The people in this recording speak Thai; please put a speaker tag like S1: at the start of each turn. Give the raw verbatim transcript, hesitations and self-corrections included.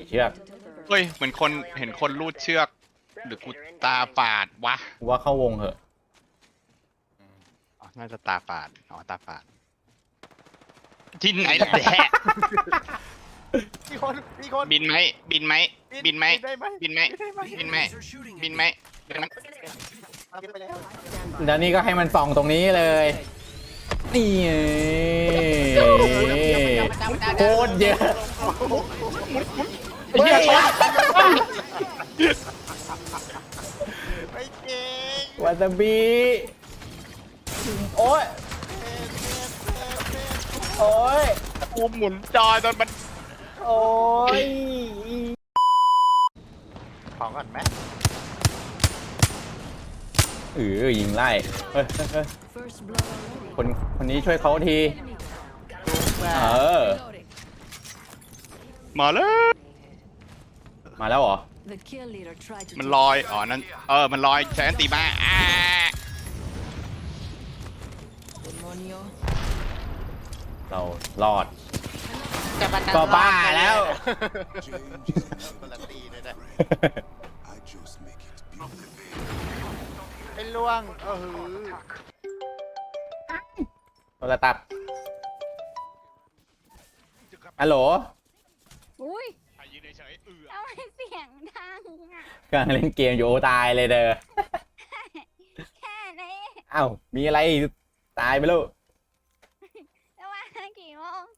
S1: เชือก
S2: เฮ้ยเหมือนคนเห็นคนลูดเชือกหรือกูตาฝาดวะ
S1: ว่าเข้าวงเหอะ
S2: อ๋อน่าจะตาฝาดอ๋อตาฝาดที่ไหนล่ะแดะ
S3: มีคนมีคน
S2: บินไหมบินไหมบินไหม
S3: ได้ไหม
S2: บินไหมบินไหมบินไหมบินไหม
S3: เอาไปแล้ว
S1: แล้วนี่ก็ให้มันส่องตรงนี้เลย นี่ไงโคตรเยอะ
S2: ไอ้เหี้ยชน
S3: ไม่เก่ง
S1: วาซาบิโอ้ยโอ้ย
S2: กูหมุนจอจนมัน
S1: โอ้ย
S3: ของก่อนไหม
S1: เออยิงไล่เฮ้ยเฮ้ยเฮ้ย
S4: First blood already.
S1: คนคนนี้ช่วยเขาที เออ
S4: Reloading.
S2: มาแล้ว
S1: มาแล้วเหรอ
S4: The kill leader tried to
S2: มัน
S4: take
S2: ลอยอ๋อนั่นเออมันลอยใช้อันตีมาอ่า
S4: Demonio.
S1: เรารอด
S3: จะมา
S1: ก็บ้าแล้ว
S3: คนละตีเลยนะ
S5: I just make it beautiful.
S3: ไอ้ล่วงเออหือ
S1: โทรตัดฮัลโหล
S6: อุ้ย
S2: ใครยืนเฉยๆเออ
S6: ทำไมเสียงดังอ่ะ
S1: กำลังเล่นเกมอยู่โอ้ตายเลยเด้อ
S6: แค่นี้
S1: อ้าวมีอะไรอีกตายไปแล้ว
S6: จะมากี่โมง